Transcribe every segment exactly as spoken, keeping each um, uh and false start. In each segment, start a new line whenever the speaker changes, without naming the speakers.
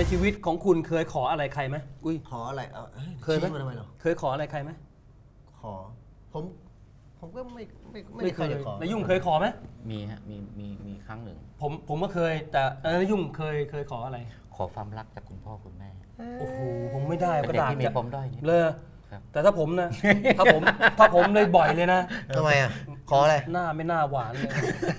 ชีวิตของคุณเคยขออะไรใครไหมอุ้ย
ขออะไร
เคยไหมเคยขออะไรใครไหม
ขอผมผมก็ไม่ไม่
ไม่เคยขอนายุ่งเคยขอไหม
มีฮะมีมีมีครั้งหนึ่ง
ผมผมก็เคยแต่นายุ่งเคยเคยขออะไร
ขอความรักจากคุณพ่อคุณแม่
โอ้โหผมไม่ได้
ก็ด่าที่มีปมด้อยนี่
เลยแต่ถ้าผมนะถ้าผมถ้าผมเลยบ่อยเลยนะ
ทำไมอ่ะขออะไร
หน้าไม่น่าหวานเลย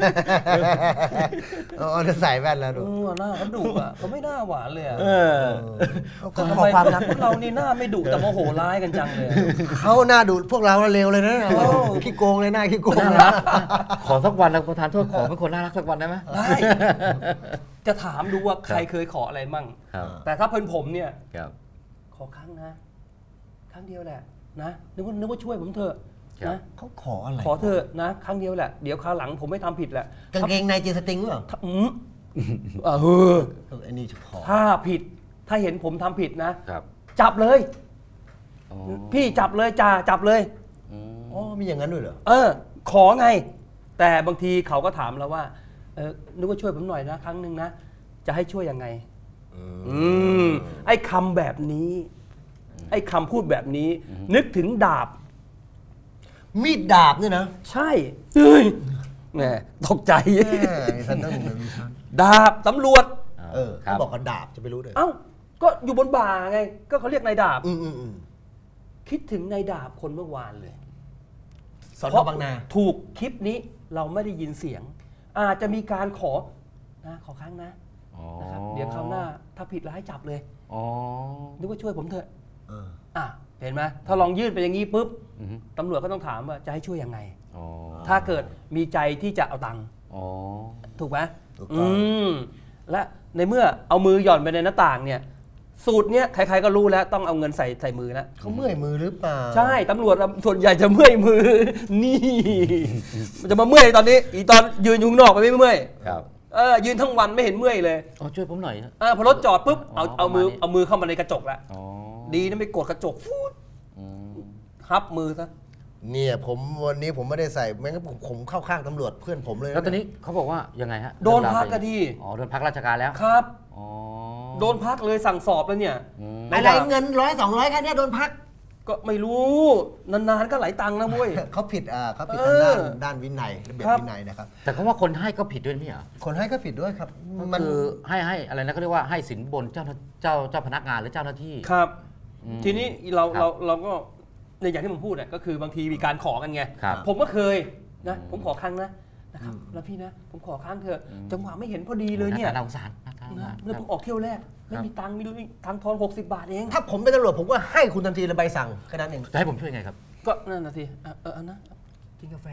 อ๋อจะใส่แว่นแล้วดู
หน้าเขาดุอ่ะเขาไม่น่าหวานเลยอ่ะ
เขาขอความรัก
พวกเรานี่หน้าไม่ดุแต่โมโหร้ายกันจังเลย
เขาหน้าดุพวกเราเร็วเลยนะขี้โกงเลยหน้าขี้โกง
ขอสักวันนะประธานโทษขอเป็นคนน่ารักสักวันได้ไหม
ได้จะถามดูว่าใครเคยขออะไรมั่งแต่ถ้าเพิ่นผมเนี่ยขอครั้งนะครั้งเดียวแหละนะนึกว่านึกว่าช่วยผมเถอะนะ
เขาขออะไร
ขอเถอะนะครั้งเดียวแหละเดี๋ยวคราวหลังผมไม่ทำผิดแหละ
กางเกงในเจสติงหรือเปล่า
อืมเออ
ไอ้นี่ขอ
ถ้าผิดถ้าเห็นผมทำผิดนะจับเลยพี่จับเลยจ่าจับเลย
อ๋อมีอย่างนั้นด้วยเหรอ
เออขอไงแต่บางทีเขาก็ถามเราว่าเออนึกว่าช่วยผมหน่อยนะครั้งหนึ่งนะจะให้ช่วยยังไงอืมไอ้คำแบบนี้ไอ้คำพูดแบบนี้นึกถึงดาบ
มีดดาบเนี่ยนะ
ใช่เฮ้ยแหมตกใจดาบตำรวจ
เออเขาบอกว่าดาบจะไปรู้เลย
เอ้าก็อยู่บนบ่าไงก็เขาเรียกนายดาบคิดถึงนายดาบคนเมื่อวานเลย
สอนบางนา
ถูกคลิปนี้เราไม่ได้ยินเสียงอาจจะมีการขอนะขอครั้งนะนะครับเดี๋ยวคราวหน้าถ้าผิดแล้วให้จับเลยนึกว่าช่วยผมเถอะอ่ะเห็นไหมถ้าลองยื่นไปอย่างนี้ปุ๊บตำรวจก็ต้องถามว่าจะให้ช่วยยังไงถ้าเกิดมีใจที่จะเอาตังค์ถูกไหมอืมและในเมื่อเอามือหย่อนไปในหน้าต่างเนี่ยสูตรเนี้ยใครๆก็รู้แล้วต้องเอาเงินใส่ใส่มือแล้ว
เขาเมื่อยมือหรือเปล่า
ใช่ตำรวจส่วนใหญ่จะเมื่อยมือนี่มันจะมาเมื่อยตอนนี้อีตอนยืนอยู่ข้างนอกไปไม่เมื่อยเออยืนทั้งวันไม่เห็นเมื่อยเลย
อ๋อช่วยผมหน่อย
อ่าพอรถจอดปุ๊บเอาเอามือเอามือเข้ามาในกระจกแล้วดีนะไม่กดกระจกฟูดฮับมือซะ
เนี่ยผมวันนี้ผมไม่ได้ใส่แม้งั้นผมเข้าข้างตำรวจเพื่อนผมเลย
แล้วตอนนี้เขาบอกว่ายังไงฮะ
โดนพักก็ดี
อ๋อโดนพักราชการแล้ว
ครับอ๋อโดนพักเลยสั่งสอบแล้วเนี่ย
อะไรเงินร้อยสองร้อยแค่นี้โดนพัก
ก็ไม่รู้นานๆก็หลายตังค์นะมุ้ย
เขาผิดอ่าเขาผิดทางด้านด้านวินัยระเบียบวินัยนะครับ
แต่เขาว่าคนให้ก็ผิดด้วยนี่เหรอ
คนให้ก็ผิดด้วยครับ
มันคือให้ให้อะไรนะเขาเรียกว่าให้สินบนเจ้าเจ้าเจ้าพนักงานหรือเจ้าหน้าที่
ครับทีนี้เราเราเราก็ในอย่างที่ผมพูดเนี่ยก็คือบางทีมีการขอกันไงผมก็เคยนะผมขอครั้งนะนะครับแล้วพี่นะผมขอครั้งเถอะจังหวะไม่เห็นพอดีเลยเนี่ย
น่าสงสาร
นะแล้วผมออกเที่ยวแรกไม่มีตังค์มีตังค์ทอนหกสิบบาทเอง
ถ้าผมเป็นตำรวจผมก็ให้คุณทันทีเลยใบสั่งแค่นั้นเอง
จะให้ผมช่วยไงครับ
ก็นั่นนะสิเออนะกินกาแฟ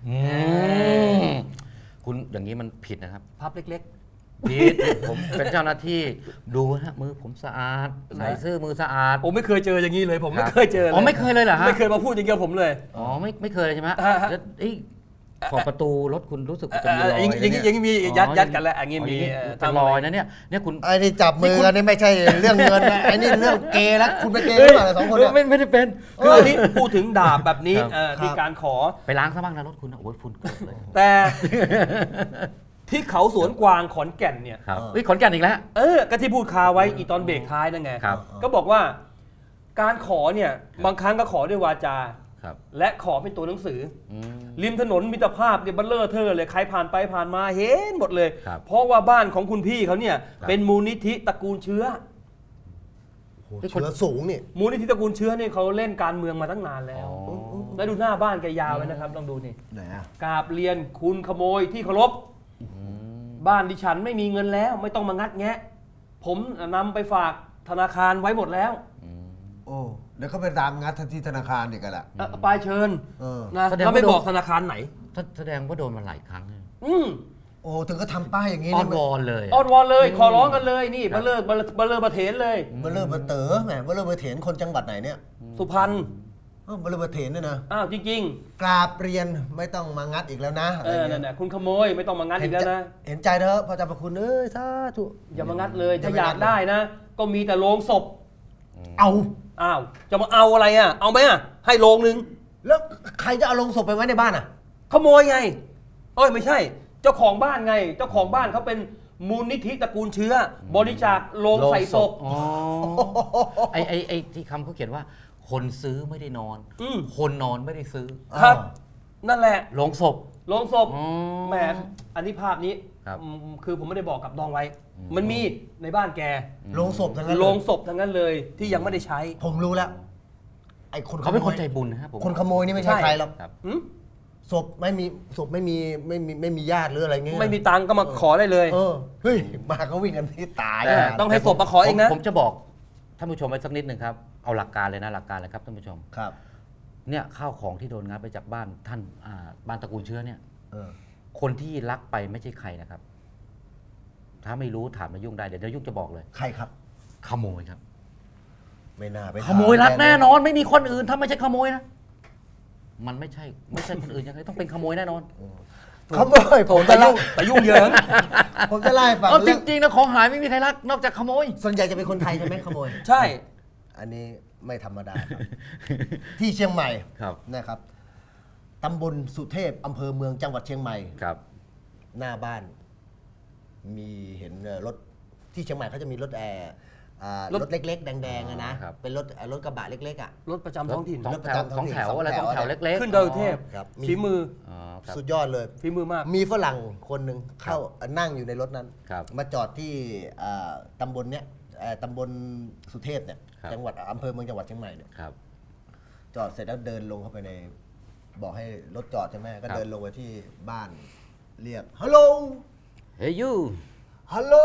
คุณอย่างนี้มันผิดนะครับ
พับเล็ก
ๆผิดผมเป็นเจ้าหน้าที่ดูฮะมือผมสะอาดใส่เสื้อมือสะอาด
ผมไม่เคยเจออย่างนี้เลยผมไม่เคยเจอ
อ๋อไม่เคยเลยเหรอฮะ
ไม่เคยมาพูดอย่างเงี้ยผมเลย
อ๋อไม่ไม่เคยใช่ไหมขอบประตูรถคุณรู้สึกจะมีรอย
อย่างนี้ยังมียัดยัดกันแล้วอย่างนี้มี
เป็นรอยนะเนี่ยเนี่ยคุณ
ไอ้นี่จับมือกันนี่ไม่ใช่เรื่องเงินนะไอ้นี่เรื่องเกย์แล้วคุณเป็นเกย์หรือเปล่าสองคนเนี่ย
ไม่ไม่ได้เป็น
คืออันนี้พูดถึงดาบแบบนี้มีการขอ
ไปล้างซะบ้างนะรถคุณโอ้ยฝุ่นเกิดเลย
แต่ที่เขาสวนกวางขอนแก่นเนี่ย
วิขอนแก่นอีกแล้ว
เออก็ที่พูดคาไว้อีตอนเบรกท้ายนั่นไงก็บอกว่าการขอเนี่ยบางครั้งก็ขอด้วยวาจาและขอเป็นตัวหนังสือริมถนนมิตรภาพเนี่ยบัลเลอร์เธอเลยใครผ่านไปผ่านมาเห็นหมดเลยเพราะว่าบ้านของคุณพี่เขาเนี่ยเป็นมูลนิธิตระกูลเชื้อ
เชื้อสูงนี่
มูลนิธิตระกูลเชื้อเนี่ยเขาเล่นการเมืองมาตั้งนานแล้วแล้วดูหน้าบ้านแกยาวไว้นะครับลองดูนี่กราบเรียนคุณขโมยที่เคารพบ้านดิฉันไม่มีเงินแล้วไม่ต้องมางัดแงะผมนำไปฝากธนาคารไว้หมดแล้ว
โอ้แล้วก็ไปตามงัดที่ธนาคารอีกกันแหละ
ไปเชิญนะแล้วไม่บอกธนาคารไหน
แสดงว่าโดนมาหลายครั้ง
อืม
โอ้ถึงก็ทำป้ายอย่างนี้
อ้อนวอนเลย
อ้อนวอนเลยขอร้องกันเลยนี่เบลเลอร์เบลเลอร์เบเถนเลย
เบลเลอร์เบเต๋อแหมเบลเลอร์เบเถนคนจังหวัดไหนเนี่ย
สุพรรณ
เบลเลอร์เบเถนเนี่ยนะ
อ้าวจริง
ๆกราบเรียนไม่ต้องมางัดอีกแล้วนะ
เออนั่นแหละคุณขโมยไม่ต้องมางัดอีกแล้วนะ
เห็นใจเถอะพระเจ้าพระคุณเอ้ยสาธุ
อย่ามางัดเลยถ้าอยากได้นะก็มีแต่โรงศพ
เอา
อ้าวจะมาเอาอะไรอ่ะเอาไหมอ่ะให้โรงนึง
แล้วใครจะเอาโรงศพไปไว้ในบ้านอ่ะ
ขโมยไงเอ้ยไม่ใช่เจ้าของบ้านไงเจ้าของบ้านเขาเป็นมูลนิธิตระกูลเชื้อ บริจาคโลงใส่ศพ
ไอ้ไอ้ไอ้ที่คำเขาเขียนว่า คนซื้อไม่ได้นอนคนนอนไม่ได้ซื้อ
ครับนั่นแหละ
โลงศพ
โลงศพแหมอันนี้ภาพนี้คือผมไม่ได้บอกกับน้องไว้มันมีในบ้านแก
โลงศพทั้งนั้น
โลงศพทั้งนั้นเลยที่ยังไม่ได้ใช้
ผมรู้แล้วไอ้คน
เขาเป็นคนใจบุญนะครับ
คนขโมยนี่ไม่ใช่ใครหรอกศพไม่มีศพไม่มีไม่มีไม่มีญาติหรืออะไรเงี้ย
ไม่มีตังก็มาขอได้เลย
เฮ้ยมาเขาวิ่งกันที่ตาย
ต้องให้ศพมาขอเองนะ
ผมจะบอกท่านผู้ชมไว้สักนิดหนึ่งครับเอาหลักการเลยนะหลักการเลยครับท่านผู้ชม
ครับ
เนี่ยข้าวของที่โดนงัดไปจากบ้านท่านบ้านตระกูลเชื้อเนี่ยคนที่ลักไปไม่ใช่ใครนะครับถ้าไม่รู้ถามนายุ่งได้เดี๋ยวนายุ่งจะบอกเลย
ใครครับ
ขโมยครับ
ไม่น่าไป
ขโมยลักแน่นอนไม่มีคนอื่นถ้าไม่ใช่ขโมยนะมันไม่ใช่ไม่ใช่คนอื่นยังไงต้องเป็นขโมยแน่นอน
ขโมยผมจะยุ่ง
แต่ยุ่งเยอะ
ผมจะไล่ฟัง
จริงๆนะของหายไม่มีใครลักนอกจากขโมย
ส่วนใหญ่จะเป็นคนไทยใช่ไหมขโมย
ใช่
อันนี้ไม่ธรรมดาครับที่เชียงใหม่นะครับตำบลสุเทพอำเภอเมืองจังหวัดเชียงใหม่
ครับ
หน้าบ้านมีเห็นรถที่เชียงใหม่เขาจะมีรถแอร์รถเล็กๆแดงๆนะเป็นรถรถกระบะเล็กๆอ่ะ
รถประจำท้องถิ่น
รถประจำท้องแถวอะไรท้องแถวเล็กๆ
ขึ้นดอยสุเทพฝีมือ
สุดยอดเลย
ฝีมือมาก
มีฝรั่งคนหนึ่งเข้านั่งอยู่ในรถนั้นมาจอดที่ตำบลเนี้ยตำบลสุเทพเนี่ยจังหวัดอำเภอเมืองจังหวัดเชียงใหม่เนี่ยจอดเสร็จแล้วเดินลงเข้าไปในบอกให้รถจอดใช่ไหมก็เดินลงไปที่บ้านเรียกฮัลโหล
Hey you
ฮัลโหล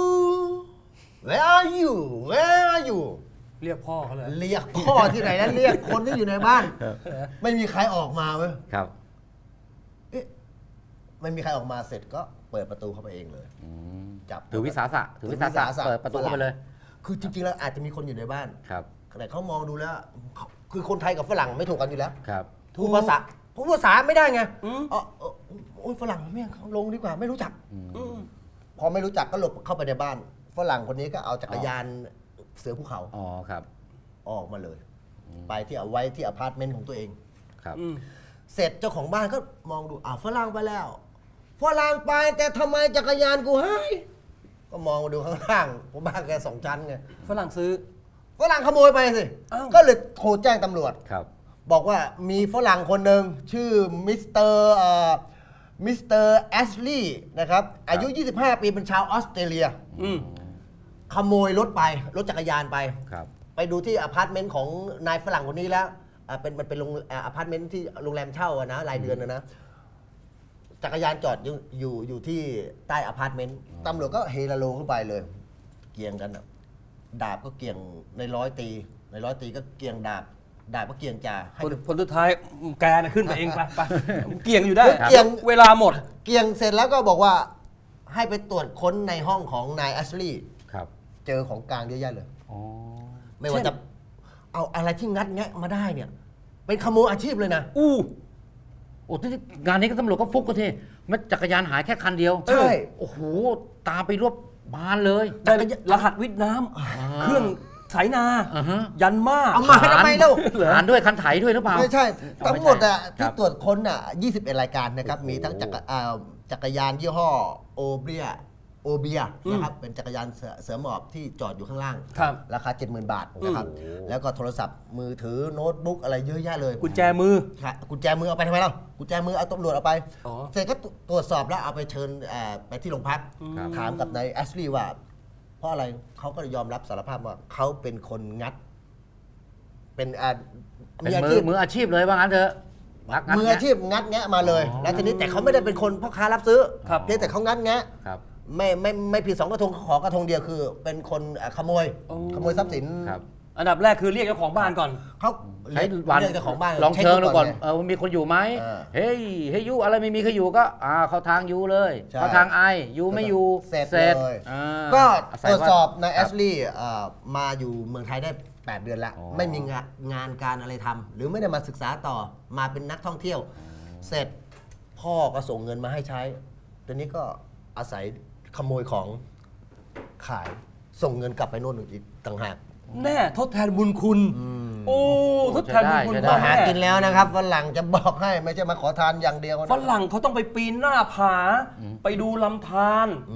Where are you Where are you
เรียกพ่อเขาเลย
เรียกพ่อที่ไหนนั้นเรียกคนที่อยู่ในบ้านไม่มีใครออกมาเว้ย
ครับ
เอ๊ะไม่มีใครออกมาเสร็จก็เปิดประตูเข้าไปเองเลย
จับถือวิสาสะถือวิสาสะเปิดประตูเข้าไปเลย
คือจริงๆแล้วอาจจะมีคนอยู่ในบ้าน
ครับ
แต่เขามองดูแล้วคือคนไทยกับฝรั่งไม่ถูกกันอยู่แล้ว
ครับ
พูดภาษาพูดภาษาไม่ได้ไงอ๋อโอ้ยฝรั่งไม่เขาลงดีกว่าไม่รู้จักพอไม่รู้จักก็หลบเข้าไปในบ้านฝรั่งคนนี้ก็เอาจักรยานเสือภูเขา
อ๋อครับ
ออกมาเลยไปที่เอาไว้ที่อพาร์ตเมนต์ของตัวเอง
ครับ
เสร็จเจ้าของบ้านก็มองดูอ้าวฝรั่งไปแล้วฝรั่งไปแต่ทำไมจักรยานกูหายก็มองดูข้างล่างผมบ้านแกสองชั้นไง
ฝรั่งซื้อ
ฝรั่งขโมยไปสิก็เลยโทรแจ้งตำรวจ
ครับ
บอกว่ามีฝรั่งคนหนึ่งชื่อมิสเตอร์มิสเตอร์แอชลีย์นะครับอายุยี่สิบห้าปีเป็นชาวออสเตรเลียขโมยรถไปรถจักรยานไปไปดูที่อพาร์ตเมนต์ของนายฝรั่งคนนี้แล้วเป็นมันเป็นโรงอพาร์ตเมนต์ที่โรงแรมเช่านะรายเดือนนะนะจักรยานจอดอยู่อยู่อยู่ที่ใต้อพาร์ตเมนต์ตำรวจก็เฮลโลขึ้นไปเลยเกี่ยงกันดาบก็เกี่ยงในร้อยตีในร้อยตีก็เกี่ยงดาบดาบก็เกี่ยงจ่า
ผลสุดท้ายแกนะขึ้นไปเองไปไปเกี่ยงอยู่ได้เกี่ยงเวลาหมด
เกี่ยงเสร็จแล้วก็บอกว่าให้ไปตรวจค้นในห้องของนายแอชลีย์เจอของกลางเยอะแยะเลยไม่ว่าจะเอาอะไรที่งัดแงะมาได้เนี่ยเป็นขโมยอาชีพเลยนะ
อู้โอ้ที่งานนี้ก็ตำรวจก็ฟุกก็ทีมันจักรยานหายแค่คันเดียว
ใช่
โอ้โหตามไปรวบบ้านเลย
ได้รหัสวิทย์น้ำเครื่องไถนายันมา
เอามาทำไมเล่า
หารด้วยคันไถด้วยหรือเปล่า
ไม่ใช่ทั้งหมดอ่ะที่ตรวจค้นอ่ะยี่สิบเอ็ดรายการนะครับมีทั้งจักรจักรยานยี่ห้อโอเบียโอเบียนะครับเป็นจักรยานเสือหมอบที่จอดอยู่ข้างล่างราคา เจ็ดหมื่น บาทนะครับแล้วก็โทรศัพท์มือถือโน้ตบุ๊กอะไรเยอะแยะเลย
กุญแจมือ
กุญแจมือเอาไปทำไมล่ะกุญแจมือเอาตำรวจเอาไปเสร็จก็ตรวจสอบแล้วเอาไปเชิญไปที่โรงพักถามกับนายแอชลีย์ว่าเพราะอะไรเขาก็ยอมรับสารภาพว่าเขาเป็นคนงัดเป็น
มืออาชีพมืออาชีพเลยว่างั้นเถอะ
มืออาชีพงัดแงะมาเลยแล้วทีนี้แต่เขาไม่ได้เป็นคนพ่อค้ารับซื้อเพียงแต่เขางัดแงะไม่ไม่ไม่ผิดสองกระทงขอกระทงเดียวคือเป็นคนขโมยขโมยทรัพย์สิน
อันดับแรกคือเรียกเจ้าของบ้านก่อน
เขา
ใช้วันเจ้าของบ้านลองเชิญดูก่อนเออมีคนอยู่ไหมเฮ้ยเฮ้ยยูอะไรไม่มีใครอยู่ก็อ่าเขาทางยูเลยเขาทางไอยูไม่อยู่
เสร็จเลยก็ตรวจสอบนายแอชลีย์มาอยู่เมืองไทยได้แปดเดือนแล้วไม่มีงานการอะไรทำหรือไม่ได้มาศึกษาต่อมาเป็นนักท่องเที่ยวเสร็จพ่อก็ส่งเงินมาให้ใช้ตอนนี้ก็อาศัยขโมยของขายส่งเงินกลับไปโน่นอีกต่างหาก
แน่ทดแทนบุญคุณโอ้ทดแทนบุญคุณ
มาหากินแล้วนะครับฝรั่งจะบอกให้ไม่ใช่มาขอทานอย่างเดียว
ฝรั่งเขาต้องไปปีนหน้าผาไปดูลำธาร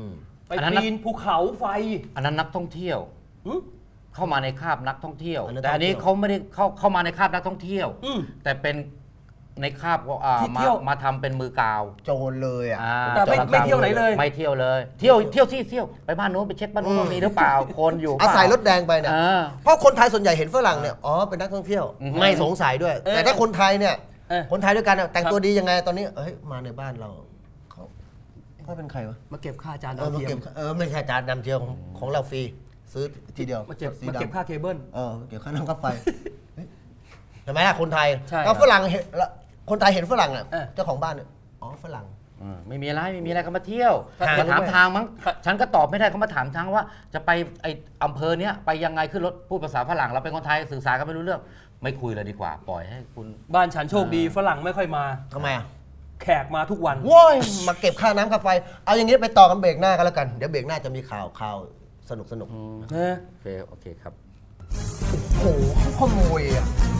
ไปปีนภูเขาไฟ
อันนั้นนักท่องเที่ยวเข้ามาในคาบนักท่องเที่ยว
อันนั้น
แต่อันนี้
ท่องเที่ยว
เขาไม่ได้เข้าเข้ามาในคาบนักท่องเที่ยว
อืม
แต่เป็นในคาบว่าอ่า
ที่
มา
เที่ยว
มาทำเป็นมือกาว
โจรเลยอ่ะ
อ่า
แต่ไม่
โจร
ไม่เที่ยวไหนเลย
ไม่เที่ยวเลย เที่ยวเที่ยวที่เที่ยวไปบ้านโน้นไปเช็คบ้านโน้นว่ามีหรือเปล่าคนอยู่
อาศัยรถ
เปล่
แดงไปเนี่ย
อ่า
เพราะคนไทยส่วนใหญ่เห็นฝรั่งเนี่ยอ๋อเป็นนักท่องเที่ยว
อือฮึ
ไม่สงสัยด้วย
เออ
แต่ถ้าคนไทยเนี่ย
เออ
คนไทยด้วยกันเนี่ยแต่ง
ครับ
ตัวดียังไงตอนนี้เอ้ยมาในบ้านเราเขาเขาเป็นใครวะ
มาเก็บค่าจาน
เอ
ดา
อ
ว
มา
เทีย
เก็
ม
บเออไม่ใช่จานดำเจียวของของเราฟรีซื้อทีเดียว
มาเก็บ
สี
มาเก็บ
ดำ
ค่าเคเบิล
เออเก็บค่าน้ำค่าไฟเฮ้ยเห็นไหมล่ะคนไทย
ใช่
ก็ฝรั่งเห็นละคนไทยเห็นฝรั่งอ่ะ
เออ
เจ้าของบ้านเนี่ยอ๋อฝรั่ง
อืมไม่มีอะไรไม่มีอะไรเขามาเที่ยว
หา
มาถาม
รู้ไหม
ทางมั้งฉันก็ตอบไม่ได้เขามาถามทางว่า จะไปไออำเภอเนี้ยไปยังไงขึ้นรถพูดภาษาฝรั่งเราเป็นคนไทยสื่อสารกันไม่รู้เรื่องไม่คุยเลยดีกว่า ปล่อยให้คุณ
บ้านฉันโชคดีฝรั่งไม่ค่อยมา
ทำไมอ่ะ
แขกมาทุกวัน
โว้ยมาเก็บค่าน้ำค่าไฟ เอาอย่างนี้ไปต่อกันเบรกหน้ากันแล้วกัน เดี๋ยวเบรกหน้าจะมีข่าวข่าวสนุกสนุก
เออ
โอเคโอเคครับ
โอ้โหเขาขโมยอ่ะ